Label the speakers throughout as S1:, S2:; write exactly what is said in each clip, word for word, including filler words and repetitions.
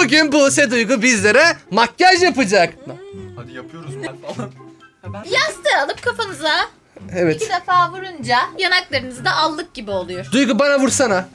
S1: Bugün Buse Duygu bizlere makyaj yapacak.
S2: Hadi yapıyoruz falan.
S3: Yastığı alıp kafanıza
S1: Evet.
S3: iki defa vurunca yanaklarınızda allık gibi oluyor.
S1: Duygu bana vursana.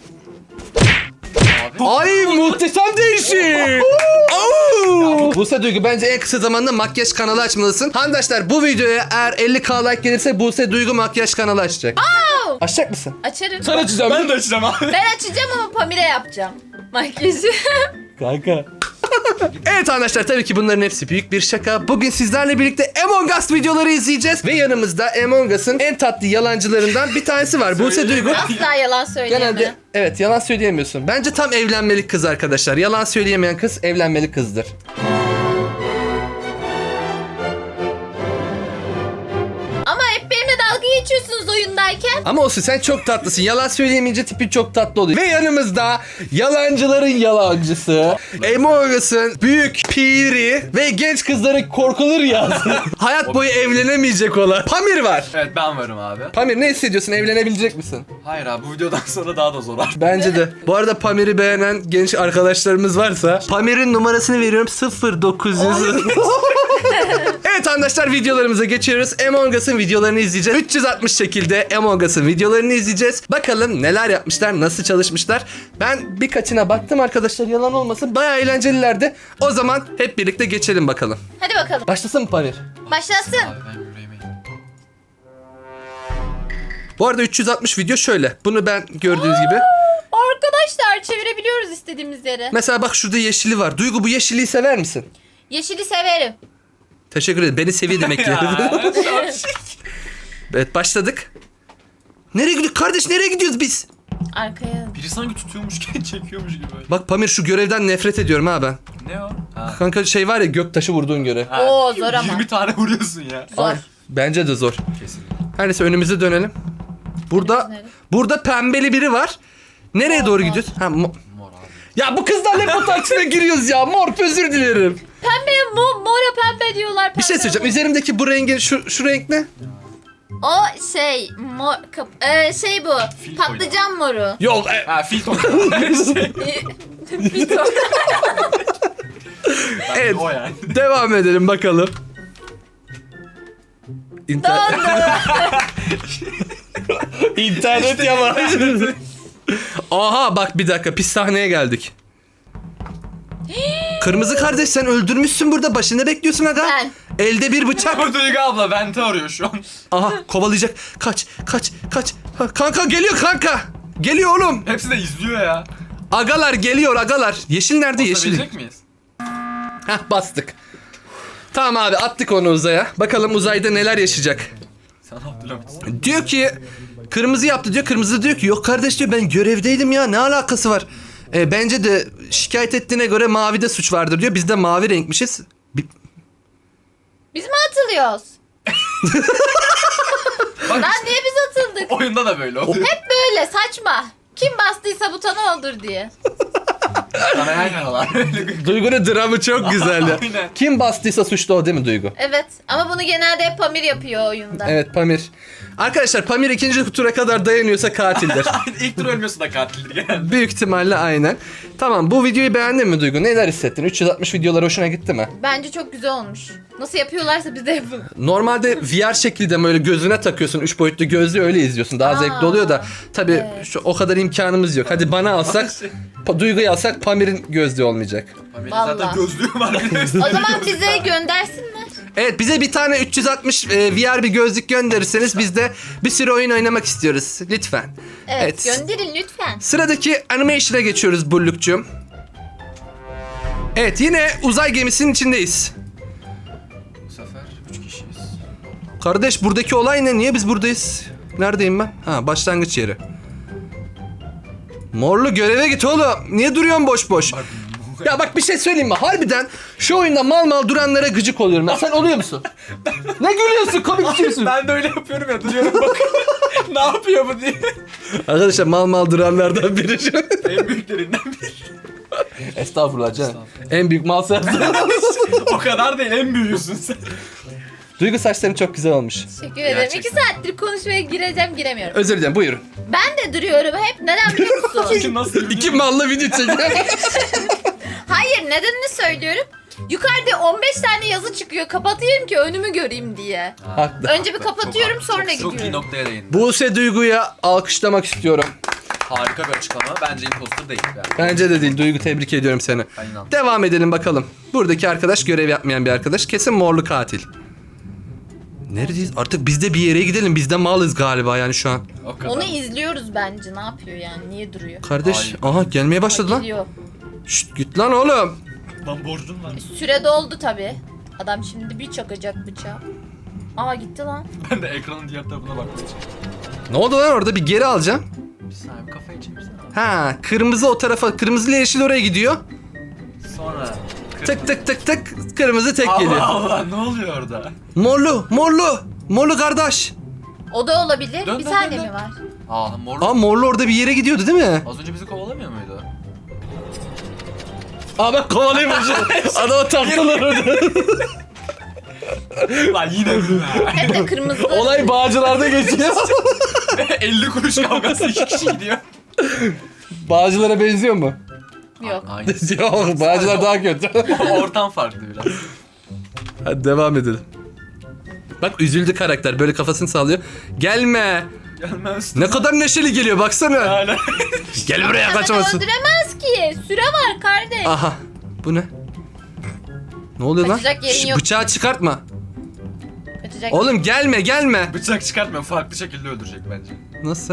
S2: Abi.
S1: Ay muhteşem değişik. Oo! Buse Duygu bence en kısa zamanda makyaj kanalı açmalısın. Handaşlar bu videoya eğer elli bin like gelirse Buse Duygu makyaj kanalı açacak.
S3: Oh!
S1: Açacak mısın?
S3: Açarım.
S1: Sen açacağım.
S2: Ben de açacağım abi.
S3: Ben açacağım ama Pamire yapacağım makyajı.
S1: Kanka. Evet arkadaşlar, tabii ki bunların hepsi büyük bir şaka. Bugün sizlerle birlikte Among Us videoları izleyeceğiz. Ve yanımızda Among Us'ın en tatlı yalancılarından bir tanesi var. Buse Duygu.
S3: Asla yalan söyleyemem.
S1: Genelde evet, yalan söyleyemiyorsun. Bence tam evlenmelik kız arkadaşlar. Yalan söyleyemeyen kız evlenmelik kızdır.
S3: Ama hep benimle dalga geçiyorsunuz oyundayken.
S1: Ama olsun, sen çok tatlısın. Yalan söyleyemeyince tipin çok tatlı oluyor. Ve yanımızda yalancıların yalancısı, Among Us'ın büyük piri ve genç kızların korkulur yazdı. Hayat boyu evlenemeyecek olan Pamir var.
S2: Evet, ben varım abi.
S1: Pamir, ne hissediyorsun? Evlenebilecek misin?
S2: Hayır abi, bu videodan sonra daha da zor artık.
S1: Bence de. Bu arada Pamir'i beğenen genç arkadaşlarımız varsa Pamir'in numarasını veriyorum, sıfır dokuz yüz. Evet arkadaşlar, videolarımıza geçiyoruz. Among Us'ın videolarını izleyeceğiz. üç yüz altmış şekilde Among Us'ın videolarını izleyeceğiz. Bakalım neler yapmışlar, nasıl çalışmışlar. Ben birkaçına baktım arkadaşlar, yalan olmasın. Bayağı eğlencelilerdi. O zaman hep birlikte geçelim bakalım.
S3: Hadi bakalım.
S1: Başlasın mı Pamir?
S3: Başlasın.
S2: Abi ben yüreğime.
S1: Bu arada üç yüz altmış video şöyle. Bunu ben gördüğünüz gibi.
S3: Arkadaşlar çevirebiliyoruz istediğimiz yere.
S1: Mesela bak, şurada yeşili var. Duygu, bu yeşiliği sever misin?
S3: Yeşili severim.
S1: Teşekkür ederim. Beni seviye demek ki. Evet, başladık. Nereye gidiyoruz? Kardeş, nereye gidiyoruz biz?
S3: Arkaya.
S2: Biri sanki tutuyormuşken çekiyormuş gibi.
S1: Bak Pamir, şu görevden nefret ediyorum ha ben.
S2: Ne o? Ha.
S1: Kanka şey var ya, göktaşı vurduğun görev.
S2: Ha.
S3: Oo, zor ama.
S2: yirmi tane vuruyorsun ya.
S3: Zor.
S1: Bence de zor.
S2: Kesin.
S1: Her neyse, önümüze dönelim. Burada
S3: Önümüze dönelim.
S1: burada pembeli biri var. Nereye
S3: Mor,
S1: doğru
S3: mor.
S1: gidiyoruz? Ha, mo-
S2: Mor abi.
S1: ya bu kızlarla hep bu tartışmaya giriyoruz ya. Mor, özür dilerim.
S3: Pembeye mo mora pembe diyorlar. Pembe
S1: Bir şey söyleyeceğim.
S3: mor.
S1: Üzerimdeki bu rengin şu şu renk ne?
S3: O şey mor kap e, şey bu.
S2: Fil
S3: Patlıcan moru.
S1: Yok. e-
S2: Ha, filtro. şey.
S3: Fito.
S1: Evet.
S2: O yani.
S1: Devam edelim bakalım. İnter- İnternet yavaş. Aha bak, bir dakika, pis sahneye geldik. Kırmızı kardeş, sen öldürmüşsün burada. Başında bekliyorsun aga.
S3: Ben.
S1: Elde bir bıçak.
S2: Bu Duygu abla bente arıyor şu an.
S1: Aha, kovalayacak. Kaç kaç kaç. Ha, kanka geliyor kanka. Geliyor oğlum.
S2: Hepsi de izliyor ya.
S1: Agalar geliyor agalar. Yeşil nerede, yeşil?
S2: Basabilecek miyiz?
S1: Hah, bastık. Tamam abi, attık onu uzaya. Bakalım uzayda neler yaşayacak.
S2: Sen Abdülhamit.
S1: Diyor ki kırmızı yaptı diyor. Kırmızı diyor ki yok kardeş diyor, ben görevdeydim ya, ne alakası var? E, bence de şikayet ettiğine göre mavide suç vardır diyor. Biz de mavi renkmişiz. Bi-
S3: Biz mi atılıyoruz? Lan niye biz atıldık?
S2: Oyunda da böyle oluyor.
S3: Hep böyle saçma. Kim bastıysa butona olur diye.
S2: Sana yan yanalar.
S1: Duygu'nun dramı çok güzeldi.
S2: Aynen.
S1: Kim bastıysa suçlu o, değil mi Duygu?
S3: Evet ama bunu genelde hep Pamir yapıyor oyunda.
S1: Evet, Pamir. Arkadaşlar, Pamir ikinci tura kadar dayanıyorsa katildir.
S2: İlk tur ölmüyorsa da katildir genelde.
S1: Büyük ihtimalle aynen. Tamam, bu videoyu beğendin mi Duygu? Neler hissettin? üç yüz altmış videolar hoşuna gitti mi?
S3: Bence çok güzel olmuş. Nasıl yapıyorlarsa biz de yapalım.
S1: Normalde V R şekilde böyle gözüne takıyorsun. Üç boyutlu gözlüğü, öyle izliyorsun. Daha
S3: Aa,
S1: zevkli oluyor da. Tabii
S3: evet.
S1: şu, o kadar imkanımız yok. Hadi bana alsak, pa, Duygu'yu alsak Pamir'in gözlüğü olmayacak.
S2: Benim
S3: Vallahi.
S2: zaten gözlüğüm var.
S3: O zaman bize göndersinler.
S1: Evet, bize bir tane üç yüz altmış e, V R bir gözlük gönderirseniz biz de bir sürü oyun oynamak istiyoruz. Lütfen.
S3: Evet, gönderin lütfen.
S1: Sıradaki animation'a geçiyoruz Bulluk'cum. Evet, yine uzay gemisinin içindeyiz.
S2: Bu sefer üç kişiyiz.
S1: Kardeş, buradaki olay ne? Niye biz buradayız? Neredeyim ben? Ha, başlangıç yeri. Morlu, göreve git oğlum. Niye duruyorsun boş boş? Ya bak, bir şey söyleyeyim mi? Harbiden şu oyunda mal mal duranlara gıcık oluyorum ben. Sen oluyor musun? Ne gülüyorsun? Komik düşüyorsun.
S2: Ben de öyle yapıyorum ya, duruyorum bakıyorum. Ne yapıyor bu diye.
S1: Arkadaşlar, mal mal duranlardan biri şu.
S2: En büyüklerinden biri.
S1: Estağfurullah canım. En büyük mal sensin.
S2: O kadar değil, en büyüğüsün sen.
S1: Duygu, saçların çok güzel olmuş.
S3: Teşekkür ederim.
S2: Gerçekten.
S3: İki saattir konuşmaya gireceğim giremiyorum.
S1: Özür dilerim, buyurun.
S3: Ben de duruyorum hep. Neden biliyor musun?
S2: Çünkü nasıl
S1: İki mallı video çekiyor.
S3: Hayır nedenini söylüyorum. Yukarıda on beş tane yazı çıkıyor. Kapatayım ki önümü göreyim diye.
S1: Haklı.
S3: Önce bir kapatıyorum
S2: Çok-
S3: sonra
S2: çok,
S3: gidiyorum.
S2: Çok iyi noktaya değindin.
S1: Buse Duygu'ya alkışlamak istiyorum.
S2: Harika bir açıklama. Bence imposter değil. Yani.
S1: Bence de değil. Duygu, tebrik ediyorum seni.
S2: Ben inandım.
S1: Devam edelim bakalım. Buradaki arkadaş görev yapmayan bir arkadaş. Kesin morlu katil. Neredeyiz? Artık biz de bir yere gidelim. Biz de malız galiba yani şu an.
S2: O kadar.
S3: Onu izliyoruz bence. Ne yapıyor yani? Niye duruyor?
S1: Kardeş,
S2: Ay.
S1: aha gelmeye başladı lan.
S3: Geliyor.
S1: Şşt, git lan oğlum.
S2: Lan borcun var.
S3: Süre doldu tabi. Adam şimdi bir çakacak bıçağı. Aa gitti lan.
S2: Ben de ekranın diğer tarafına bakmak için.
S1: Ne oldu lan orada? Bir geri alacağım.
S2: Bir saniye bir kafayı çevirsene.
S1: Ha, kırmızı o tarafa, kırmızı ile yeşil oraya gidiyor.
S2: Sonra...
S1: Tık tık tık tık, kırmızı tek
S2: Allah
S1: geliyor.
S2: Allah ne oluyor orada?
S1: Morlu, morlu, morlu kardeş.
S3: O da olabilir.
S2: Dön,
S3: bir
S2: dön,
S3: tane
S2: dön,
S3: mi
S2: dön.
S3: var?
S2: Aa mor.
S1: Aa, morlu orada bir yere gidiyordu değil mi?
S2: Az önce bizi kovalamıyor muydu?
S1: Aa, ben kovalayayım. Adama taktılar orada.
S2: Lan yine mi?
S3: Hem de kırmızı.
S1: Olay Bağcılar'da geçiyor.
S2: elli kuruş kavgası iki kişi gidiyor.
S1: Bağcılar'a benziyor mu?
S3: Yok.
S2: Aynı.
S1: Yok, Bağcılar daha kötü.
S2: Ortam farklı biraz.
S1: Hadi devam edelim. Bak üzüldü karakter, böyle kafasını sallıyor. Gelme.
S2: Gelmez.
S1: Ne kadar neşeli geliyor baksana.
S2: Hala.
S1: Gel buraya,
S3: Adamı
S1: kaçamazsın.
S3: öldüremez ki. Süre var kardeş.
S1: Aha. Bu ne? Ne oluyor lan?
S3: Kaçacak yerin
S1: Şş,
S3: yok.
S1: bıçağı çıkartma.
S3: Kaçacak.
S1: Oğlum gelme gelme.
S2: Bıçak çıkartmıyor. Farklı şekilde öldürecek bence.
S1: Nasıl?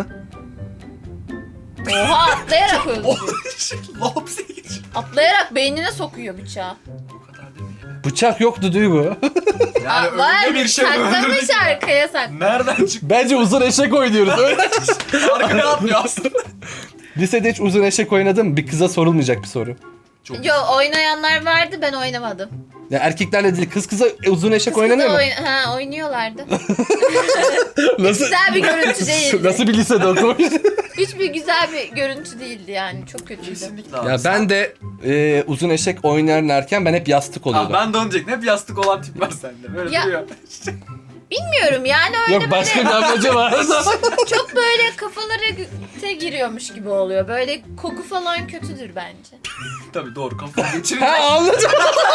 S3: Oha atlayarak öldürüyor.
S2: Lops diye geçiyor.
S3: Atlayarak beynine sokuyor bıçağı.
S2: O kadar değil mi?
S1: Bıçak yoktu Duygu.
S2: Yani
S3: Aa, var.
S2: öyle bir şey
S3: Saklamış
S2: öldürdük.
S3: arkaya sak.
S2: Nereden çıktı?
S1: Bence uzun eşek oynuyoruz. Öyle.
S2: Arkaya atlıyor aslında.
S1: Lisede hiç uzun eşek oynadın mı? Bir kıza sorulmayacak bir soru.
S2: Çok
S3: Yo oynayanlar vardı ben oynamadım.
S1: Ya erkeklerle değil, kız kıza uzun eşek
S3: Kız
S1: oynanıyor mu?
S3: kızla oyn- ha, oynuyorlardı.
S1: Nasıl?
S3: Güzel bir görüntü değildi.
S1: Nasıl bir lisede okumuş?
S3: Hiçbir güzel bir görüntü değildi yani. Çok kötüydü.
S2: Kesinlikle abi.
S1: Ya ben de e, uzun eşek oynarlarken ben hep yastık
S2: Aa,
S1: oluyordum.
S2: ben de onu diyecektim. Hep yastık olan tip var sende. Böyle
S3: Ya-
S2: duruyor.
S3: Bilmiyorum yani öyle
S1: Yok, başka bir
S3: böyle
S1: amacı var.
S3: çok böyle kafalara te giriyormuş gibi oluyor. Böyle koku falan kötüdür bence.
S2: Tabii doğru kafayı geçirince.
S1: Ha, anladım.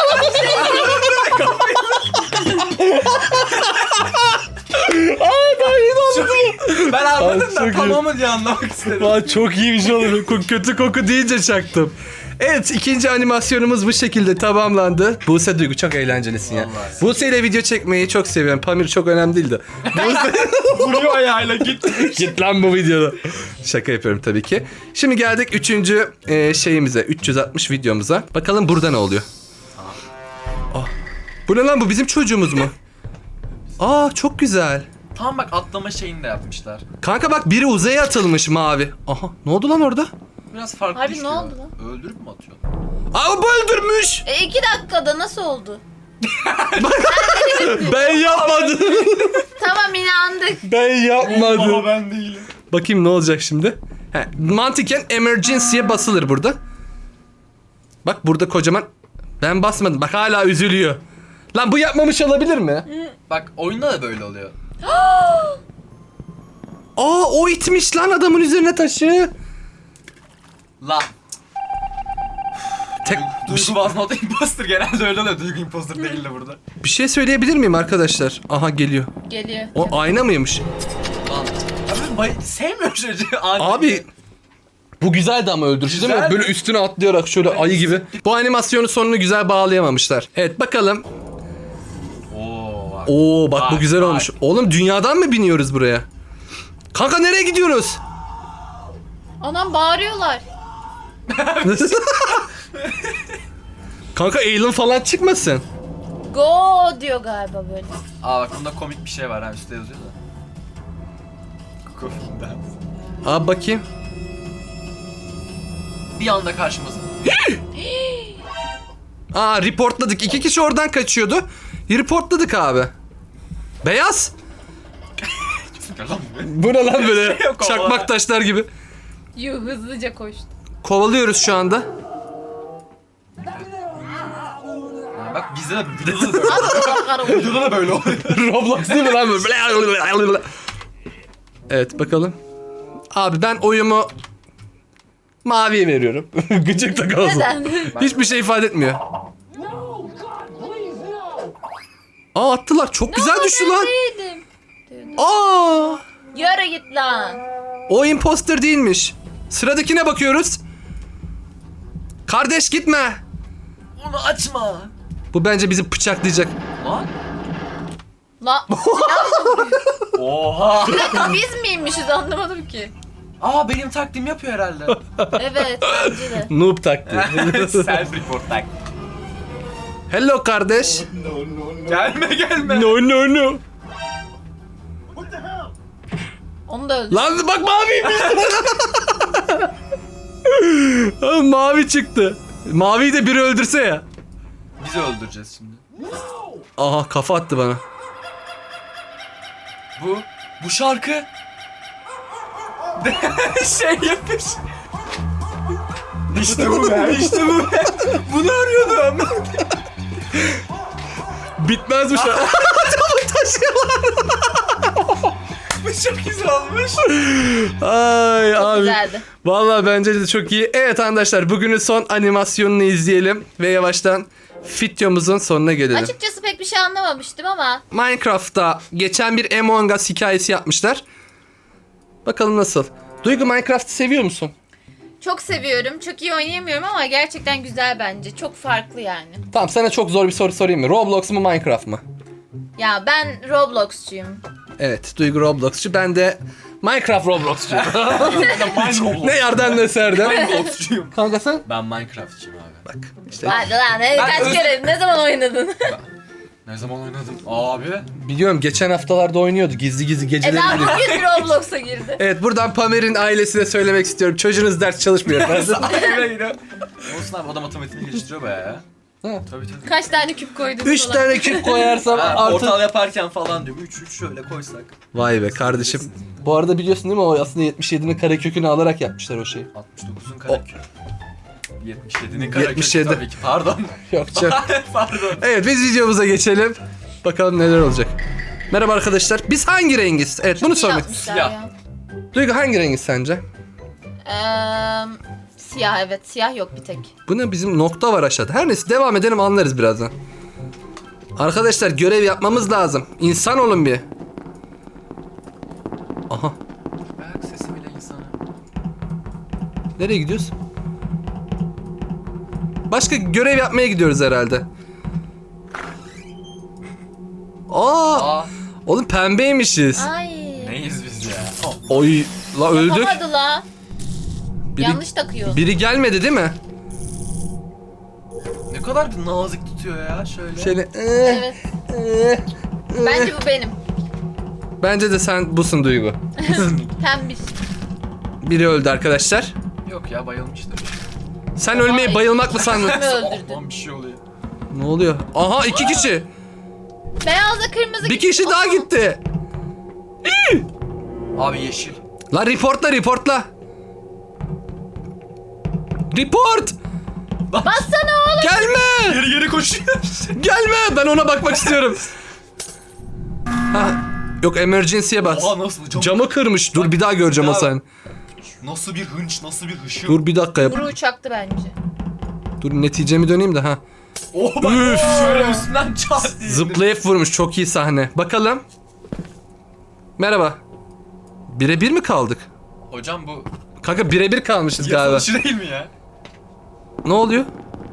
S1: Ay ben yine anladım.
S2: Ben anladım
S1: Ay,
S2: da
S1: çok iyi.
S2: tamamı diye anlamak istedim.
S1: Vay, çok iyi bir şey olur. Ko- Kötü koku deyince çaktım. Evet, ikinci animasyonumuz bu şekilde tamamlandı. Buse Duygu, çok eğlencelisin ya.
S2: Vallahi.
S1: Buse ile video çekmeyi çok seviyorum. Pamir çok önemli değil de. Buse...
S2: Vuruyor ayağıyla git.
S1: Git lan bu videoda. Şaka yapıyorum tabii ki. Şimdi geldik üçüncü e, şeyimize. üç yüz altmış videomuza. Bakalım burada ne oluyor? Ah. Bu ne lan, bu bizim çocuğumuz mu? Aa, çok güzel.
S2: Tam bak atlama şeyini de yapmışlar.
S1: Kanka bak, biri uzaya atılmış mavi. Aha, ne oldu lan orada?
S2: Biraz farklı
S3: Harbi ne
S2: işliyor.
S3: oldu lan?
S2: Öldürüp mü atıyor?
S1: Aa, bu öldürmüş.
S3: E iki dakikada nasıl oldu?
S1: Ben yapmadım.
S3: Tamam inandık.
S1: Ben yapmadım.
S2: Ama ben değilim.
S1: Bakayım ne olacak şimdi. He, mantıken emergency'ye basılır burada. Bak burada kocaman. Ben basmadım. Bak hala üzülüyor. Lan bu yapmamış olabilir mi?
S2: Bak oyunda da böyle oluyor.
S1: Aa, o itmiş lan adamın üzerine taşı.
S2: Lan.
S1: Tek bir,
S2: Duygu was not imposter. Genelde öyle oluyor. Duygu imposter değil de burada.
S1: bir şey söyleyebilir miyim arkadaşlar? Aha geliyor.
S3: Geliyor.
S1: O ayna mıymış?
S2: Lan. Abi bay sevmiyorum çocuğu. Ani.
S1: Abi bu güzeldi ama öldürücü değil mi?
S2: Güzeldi.
S1: Böyle üstüne atlayarak şöyle ayı gibi. Bu animasyonun sonunu güzel bağlayamamışlar. Evet bakalım.
S2: Oo bak.
S1: Oo bak bu
S2: Bak,
S1: güzel
S2: bak.
S1: olmuş. Oğlum dünyadan mı biniyoruz buraya? Kanka nereye gidiyoruz?
S3: Anam bağırıyorlar.
S1: Kanka alien falan çıkmasın.
S3: Go diyor galiba böyle.
S2: Aa bak bunda komik bir şey var ha üstte yazıyor da. Kofinden.
S1: Abi bakayım.
S2: Bir anda karşımıza.
S1: Aa, reportladık. İki kişi oradan kaçıyordu. Reportladık abi. Beyaz.
S2: Gel lan buraya.
S1: Bu ne lan böyle?
S2: Yok, kovala.
S1: Çakmak taşlar gibi.
S3: Yuh hızlıca koştu.
S1: Kovalıyoruz şu anda.
S2: Ha, bak bizde de videoda da böyle. Videoda da böyle oluyor.
S1: Roblox değil mi lan böyle? Evet bakalım. Abi ben oyumu Maviye veriyorum. Gıcık da kalsın.
S3: Neden?
S1: Hiçbir şey ifade etmiyor. Aa attılar. Çok güzel düştü lan.
S3: Değildim.
S1: Aa!
S3: Yürü git lan.
S1: O imposter değilmiş. Sıradakine bakıyoruz. Kardeş gitme.
S2: Onu açma.
S1: Bu bence bizi bıçaklayacak.
S2: Lan.
S3: La
S2: Oha.
S3: biz miymişiz anlamadım ki.
S2: Aa benim taktiğimi yapıyor herhalde.
S3: Evet bence de.
S1: Noob taktı.
S2: Self report tak.
S1: Hello kardeş.
S2: Gelme gelme.
S1: No no no.
S3: Onu da öldü.
S1: Lan bak maviymiş. Oğlum, mavi çıktı. Maviyi de biri öldürse ya.
S2: Bizi öldüreceğiz şimdi.
S1: Aha kafa attı bana.
S2: Bu. Bu şarkı. şey yapmış. İşte bu be. İşte bu be. Bunu arıyordum.
S1: Bitmez bu şu an. Adamı taşıyorlar.
S2: Bu çok güzel olmuş.
S1: Ay
S3: Çok
S1: abi.
S3: güzeldi.
S1: Vallahi bence de çok iyi. Evet arkadaşlar bugünün son animasyonunu izleyelim. Ve yavaştan videomuzun sonuna gelelim.
S3: Açıkçası pek bir şey anlamamıştım ama.
S1: Minecraft'ta geçen bir Among Us hikayesi yapmışlar. Bakalım nasıl. Duygu Minecraft'ı seviyor musun?
S3: Çok seviyorum. Çok iyi oynayamıyorum ama gerçekten güzel bence. Çok farklı yani.
S1: Tamam sana çok zor bir soru sorayım mı? Roblox mu Minecraft mı?
S3: Ya ben Roblox'cuyum.
S1: Evet Duygu Roblox'cu. Ben de Minecraft Roblox'cuyum.
S2: Minecraft.
S1: ne yerden ne serden.
S2: Minecraft'cuyum.
S1: Kanka sen?
S2: Ben Minecraft'çıyım abi.
S1: Bak işte
S3: Hadi lan ne,
S2: Ben
S3: kaç
S2: öz-
S3: kere ne zaman oynadın?
S2: Ne zaman oynadım? Abi.
S1: biliyorum geçen haftalarda oynuyordu. Gizli gizli
S3: e
S1: geceleri.
S3: daha
S1: giriyor.
S3: bugün Roblox'a girdi.
S1: Evet buradan Pamer'in ailesine söylemek istiyorum. Çocuğunuz ders çalışmıyor efendim.
S2: Olsun abi o da matematiğini geliştiriyor bayağı ya.
S1: Ha.
S2: Tabii tabii.
S3: Kaç tane küp koydun?
S1: Üç
S3: falan.
S1: tane küp koyarsam
S2: Ha,
S1: artı...
S2: portal yaparken falan diyorum. üç üç şöyle koysak.
S1: Vay be kardeşim. Bu arada biliyorsun değil mi o aslında yetmiş yedinin karekökünü alarak yapmışlar o şeyi.
S2: altmış dokuzun karekökü. yetmiş yedinin karekökü
S1: yetmiş yedi.
S2: tabii ki. Pardon.
S1: Yok canım.
S2: Pardon.
S1: Evet biz videomuza geçelim. Bakalım neler olacak. Merhaba arkadaşlar. Biz hangi rengiz? Evet bunu
S3: İyi
S1: sormak.
S3: yapmışlar
S2: Siyah.
S3: ya.
S1: Duygu hangi rengiz sence?
S3: Eee, siyah evet. Siyah yok bir tek.
S1: Bu ne bizim nokta var aşağıda. Her neyse devam edelim anlarız birazdan. Arkadaşlar görev yapmamız lazım. İnsan olun bir. Aha.
S2: Ayak sesi bile insana.
S1: Nereye gidiyoruz? Başka görev yapmaya gidiyoruz herhalde. Aa,
S2: Aa.
S1: oğlum pembeymişiz.
S3: Ay.
S2: Neyiz biz ya? Oh.
S1: Oy, la öldük.
S3: Yapamadı la.
S1: Biri,
S3: Yanlış takıyor.
S1: biri gelmedi değil mi?
S2: Ne kadar nazik tutuyor ya şöyle.
S1: Şöyle. eh,
S3: Evet.
S1: eh, eh.
S3: Bence bu benim.
S1: Bence de sen busun Duygu.
S3: Pembiş.
S1: Biri öldü arkadaşlar.
S2: Yok ya bayılmıştır.
S1: Sen ölmeyi
S3: Ay.
S1: bayılmak mı sandın?
S3: Kimi öldürdün?
S2: Oh, lan bir şey oluyor.
S1: Ne oluyor? Aha iki kişi.
S3: Beyazla kırmızı
S1: Bir kişi daha gitti.
S2: Abi yeşil.
S1: La reportla reportla. Report.
S3: Bassana oğlum.
S1: Gelme.
S2: Geri geri koşuyor.
S1: Gelme. Ben ona bakmak istiyorum. Ha. Yok emergency'ye bas.
S2: Oha nasıl? Camı...
S1: Camı kırmış. Dur bir daha göreceğim o
S2: Ya.
S1: sen.
S2: Nasıl bir hınç, nasıl bir hışım.
S1: Dur bir dakika yap.
S3: Buru uçaktı bence.
S1: Dur neticemi döneyim de ha.
S2: Oh bak
S1: Üf.
S2: şöyle üstünden çat diye.
S1: Zıplayıp vurmuş. Çok iyi sahne. Bakalım. Merhaba. Birebir mi kaldık?
S2: Hocam bu
S1: Kanka birebir kalmışız galiba.
S2: yazılışı değil mi ya?
S1: Ne oluyor?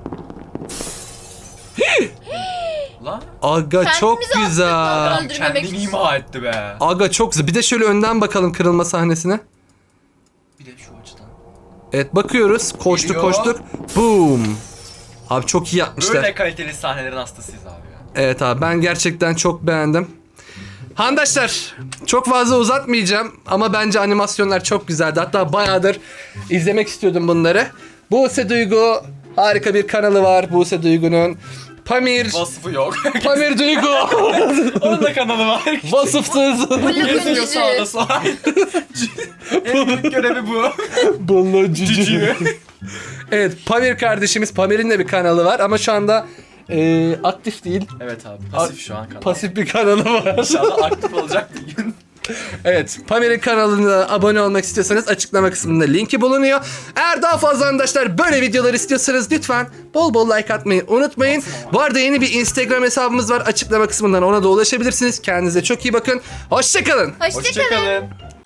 S2: Lan
S1: Aga çok
S3: Kendimizi
S1: güzel.
S3: attık lan. Öldürmemek
S2: kendini
S3: için.
S2: ima etti be.
S1: Aga çok güzel. Bir de şöyle önden bakalım kırılma sahnesine.
S2: Bir de şu açıdan.
S1: Evet bakıyoruz. Koştuk
S2: Geliyor.
S1: koştuk. Boom. Abi çok iyi yapmışlar.
S2: Böyle kaliteli sahnelerin hastasıyız abi ya.
S1: Evet abi ben gerçekten çok beğendim. Handaşlar çok fazla uzatmayacağım ama bence animasyonlar çok güzeldi. Hatta bayağıdır izlemek istiyordum bunları. Buse Duygu harika bir kanalı var. Buse Duygu'nun. Pamir.
S2: Vasfı yok.
S1: Pamir Duygu.
S2: Onun da kanalı var.
S1: Vasıfsız.
S2: Geziyor sağda sağda. En büyük görevi bu.
S1: Bunlar
S2: Cücüğü.
S1: Evet Pamir kardeşimiz. Pamir'in de bir kanalı var ama şu anda e, aktif değil.
S2: Evet abi pasif şu an kanal.
S1: Pasif bir kanalı var.
S2: İnşallah aktif olacak bir gün.
S1: Evet, Pamir'in kanalına abone olmak istiyorsanız açıklama kısmında linki bulunuyor. Eğer daha fazla arkadaşlar böyle videolar istiyorsanız lütfen bol bol like atmayı unutmayın. Bu arada yeni bir Instagram hesabımız var. Açıklama kısmından ona da ulaşabilirsiniz. Kendinize çok iyi bakın. Hoşçakalın.
S3: Hoşçakalın.
S2: Hoşçakalın.